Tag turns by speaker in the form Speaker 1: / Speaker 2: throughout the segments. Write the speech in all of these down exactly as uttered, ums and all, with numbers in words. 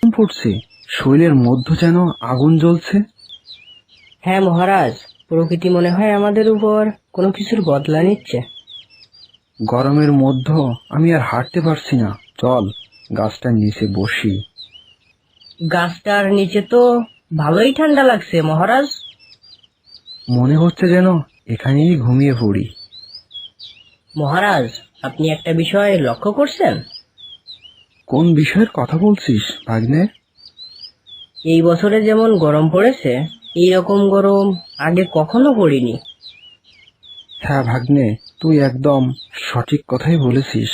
Speaker 1: পড়ছে, শরীরের মধ্য যেন আগুন জ্বলছে।
Speaker 2: হ্যাঁ মহারাজ, প্রকৃতি মনে হয় আমাদের উপর কোনো কিছুর বদলা নিচ্ছে।
Speaker 1: গরমের মধ্য আমি আর হাঁটতে পারছি না, চল গাছটার নিচে বসি।
Speaker 2: গাছটার নিচে তো ভালোই ঠান্ডা লাগছে মহারাজ।
Speaker 1: মনে হচ্ছে যেন এখানেই ঘুমিয়ে পড়ি।
Speaker 2: মহারাজ, আপনি একটা বিষয় লক্ষ্য করছেন?
Speaker 1: কোন বিষয়ের কথা বলছিস ভাগ্নে?
Speaker 2: এই বছরে যেমন গরম পড়েছে, এই রকম গরম আগে কখনো পড়িনি।
Speaker 1: হ্যাঁ ভাগ্নে, তুই একদম সঠিক কথাই বলেছিস।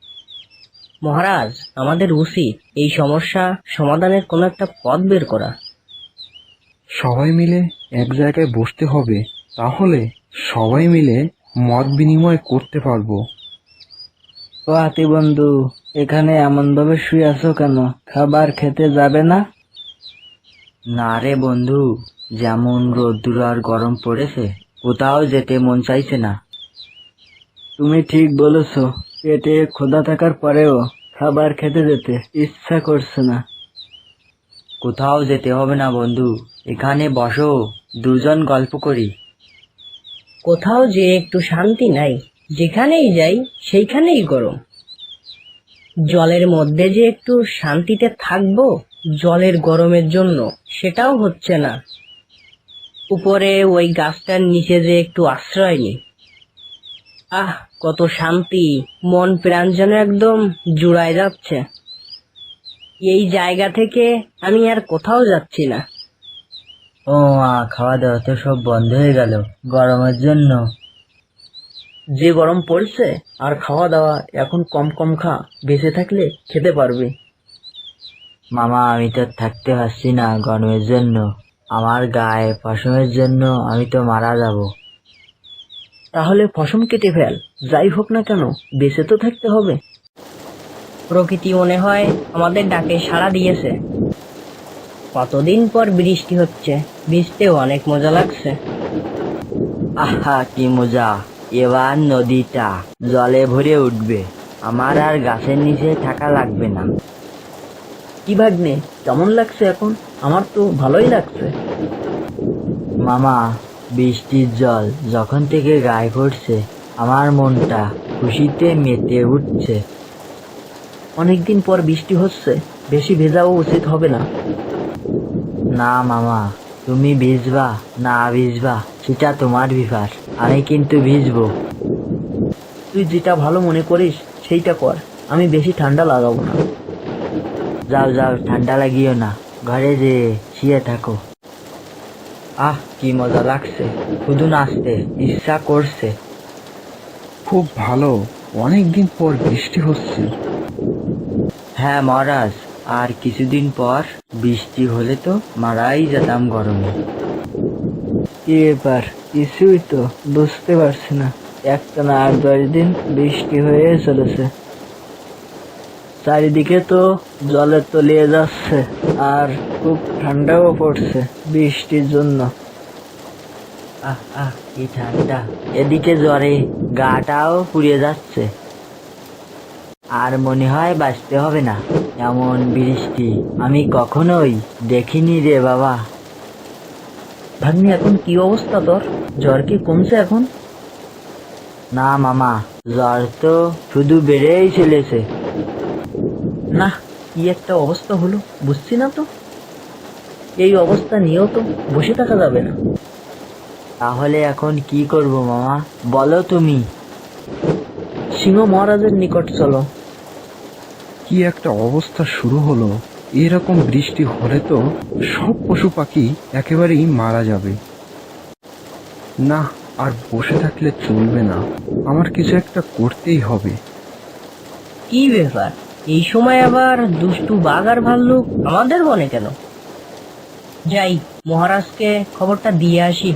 Speaker 2: মহারাজ, আমাদের উচিত এই সমস্যা সমাধানের কোনো একটা পথ বের করা।
Speaker 1: সবাই মিলে এক জায়গায় বসতে হবে, তাহলে সবাই মিলে মত বিনিময় করতে পারবো।
Speaker 2: ও হাতি বন্ধু, এখানে এমন ভাবে শুয়ে আছো কেন? খাবার খেতে যাবে না? না রে বন্ধু, যেমন রোদ্দুর আর গরম পড়েছে, কোথাও যেতে মন চাইছে না। তুমি ঠিক বলেছো, পেটে ক্ষুধা থাকার পরেও খাবার খেতে যেতে ইচ্ছা করছে না। কোথাও যেতে হবে না বন্ধু, এখানে বসো, দুজন গল্প করি। কোথাও যে একটু শান্তি নাই, যেখানেই যাই সেইখানেই গরম। জলের মধ্যে যে একটু শান্তিতে থাকবো জলের গরমের জন্য, সেটাও হচ্ছে না। উপরে ওই গাছটার নিচে যে একটু আশ্রয় নেই, আহ কত শান্তি, মন প্রাণ যেন একদম জুড়ায় যাচ্ছে। এই জায়গা থেকে আমি আর কোথাও যাচ্ছি না। ও মা, খাওয়া দাওয়া তো সব বন্ধ হয়ে গেল গরমের জন্য। যে গরম পড়ছে, আর খাওয়া দাওয়া এখন কম কম খা, বেঁচে থাকলে খেতে পারবে। মামা, আমি তো থাকতে পারছি না গরমের জন্য, আমার গায়ে পশমের জন্য আমি তো মারা যাব। তাহলে পশম কেটে ফেল, যাই হোক না কেন বেঁচে তো থাকতে হবে। প্রকৃতি মনে হয় আমাদের ডাকে সাড়া দিয়েছে। কতদিন পর বৃষ্টি হচ্ছে, ভিজতেও অনেক মজা লাগছে। আহা কি মজা, এবার নদীটা জলে ভরে উঠবে, আমার আর গাছের নিচে থাকা লাগবে না। কি ভাগ্নে, কেমন লাগছে এখন? আমার তো ভালোই লাগছে। মামা, বৃষ্টির জল যখন থেকে গায়ে পড়ছে, আমার মনটা খুশিতে মেতে উঠছে। অনেকদিন পর বৃষ্টি হচ্ছে, বেশি ভেজাও উচিত হবে না। না মামা, তুমি ভিজবা না ভিজবা সেটা তোমার ব্যাপার, আমি কিন্তু ভিজবো। তুই যেটা ভালো মনে করিস সেইটা কর, আমি বেশি ঠান্ডা লাগাবো না। যাও যাও, ঠান্ডা লাগিও না, ঘরে যে শুয়ে থাকো। আহ কি মজা লাগছে, শুধু নাচতে ইচ্ছা করছে।
Speaker 1: খুব ভালো, অনেকদিন পর বৃষ্টি হচ্ছে।
Speaker 2: হ্যাঁ মহারাজ, আর কিছুদিন পর বৃষ্টি হলে তো মারাই যেতাম গরমে। কি ব্যাপার, কিছুই তো বুঝতে পারছি না। একটা না আট দশ দিন বৃষ্টি হয়ে চলেছে, চারিদিকে তো জলে তলিয়ে যাচ্ছে, আর খুব ঠান্ডাও পড়ছে বৃষ্টির জন্য। আহ আহ কি ঠান্ডা, এদিকে জ্বরে গাটাও পুড়িয়ে যাচ্ছে। আর মনে হয় বাঁচতে হবে না, এমন বৃষ্টি আমি কখনোই দেখিনি রে বাবা। ভাগ্নি, এখন কি অবস্থা তোর? জ্বর কি কমছে এখন? না মামা, জ্বর তো শুধু বেড়েই চলেছে। না, কি একটা অবস্থা হলো বুঝছি না তো। এই অবস্থা নিয়েও তো বসে থাকা যাবে না। তাহলে এখন কি করব মামা, বলো তুমি। সিংহ মহারাজের নিকট চলো।
Speaker 1: কি একটা অবস্থা শুরু হলো, এরকম বৃষ্টি হলে তো সব পশু পাখি একেবারেই মারা যাবে। না, আর বসে থাকলে চলবে না, আমার কিছু একটা করতেই হবে।
Speaker 2: কি ব্যাপার, এই সময় আবার দুষ্টু বাঘ আর ভাল্লুক আমাদের বনে কেন? যাই, মহারাজকে খবরটা দিয়ে আসি।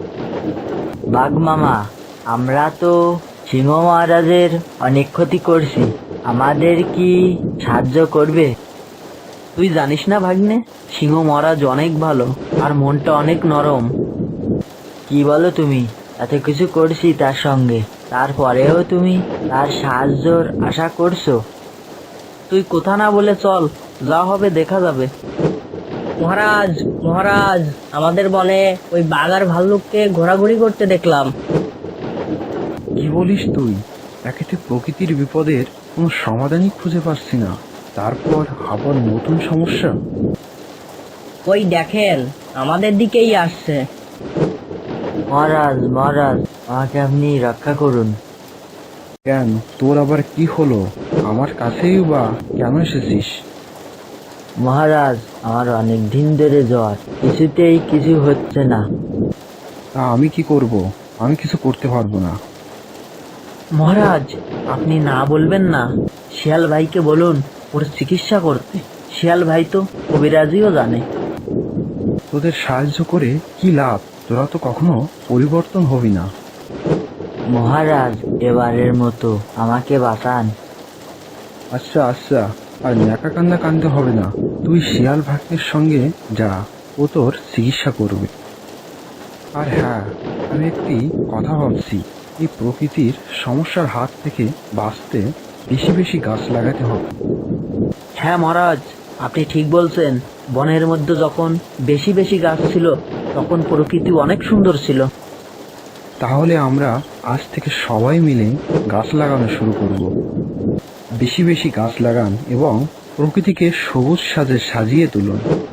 Speaker 2: বাঘ মামা, আমরা তো সিংহ মহারাজের অনেক ক্ষতি করছি, আমাদের কি সাহায্য করবে? তুই জানিস না ভাগ্নে, সিংহ মহারাজ অনেক ভালো আর মনটা অনেক নরম। কি বলো তুমি, এত কিছু করছি তার সঙ্গে, তারপরেও তুমি তার সাহায্যর আশা করছো? তুই কথা না বলে চল, যা হবে দেখা যাবে। মহারাজ মহারাজ আমাদের বনে ওই বাঘ আর ভাল্লুককে ঘোরাঘুরি করতে দেখলাম।
Speaker 1: কি বলিস তুই? একেতে প্রকৃতির বিপদের কোনো সমাধানই খুঁজে পাচ্ছি না, তারপর আবার নতুন সমস্যা।
Speaker 2: ওই দেখেন আমাদের দিকেই আসছে। মহারাজ মহারাজ আমাকে আপনি রক্ষা করুন।
Speaker 1: কেন, তোর আবার কি হলো? আমার কাছেই বা কেন এসেছিস?
Speaker 2: মহারাজ আমার অনেক দিন ধরে জ্বর, কিছুতেই কিছু হচ্ছে না।
Speaker 1: তা আমি কি করব? আমি কিছু করতে পারবো না।
Speaker 2: মহারাজ আপনি না বলবেন না, শিয়াল ভাইকে বলুন ওর চিকিৎসা করতে। শিয়াল ভাই তো কবিরাজিও জানে।
Speaker 1: তোদের সাহায্য করে কি লাভ? তোরা তো কখনো পরিবর্তন হবি না।
Speaker 2: মহারাজ এবারের মতো আমাকে বাঁচান।
Speaker 1: আচ্ছা আচ্ছা, আর ন্যাকা কান্না কানতে হবে না। তুই শিয়াল ভাগ্যের সঙ্গে যা, ও তোর চিকিৎসা করবে। আর হ্যাঁ, আমি একটি কথা ভাবছি, এই প্রকৃতির সমস্যার হাত থেকে বাঁচতে বেশি বেশি গাছ লাগাতে হবে।
Speaker 2: হ্যাঁ মহারাজ আপনি ঠিক বলছেন। বনের মধ্যে যখন বেশি বেশি গাছ ছিল তখন প্রকৃতি অনেক সুন্দর ছিল।
Speaker 1: তাহলে আমরা আজ থেকে সবাই মিলে গাছ লাগানো শুরু করব। বেশি বেশি গাছ লাগান এবং প্রকৃতিকে সবুজ সাজে সাজিয়ে তুলুন।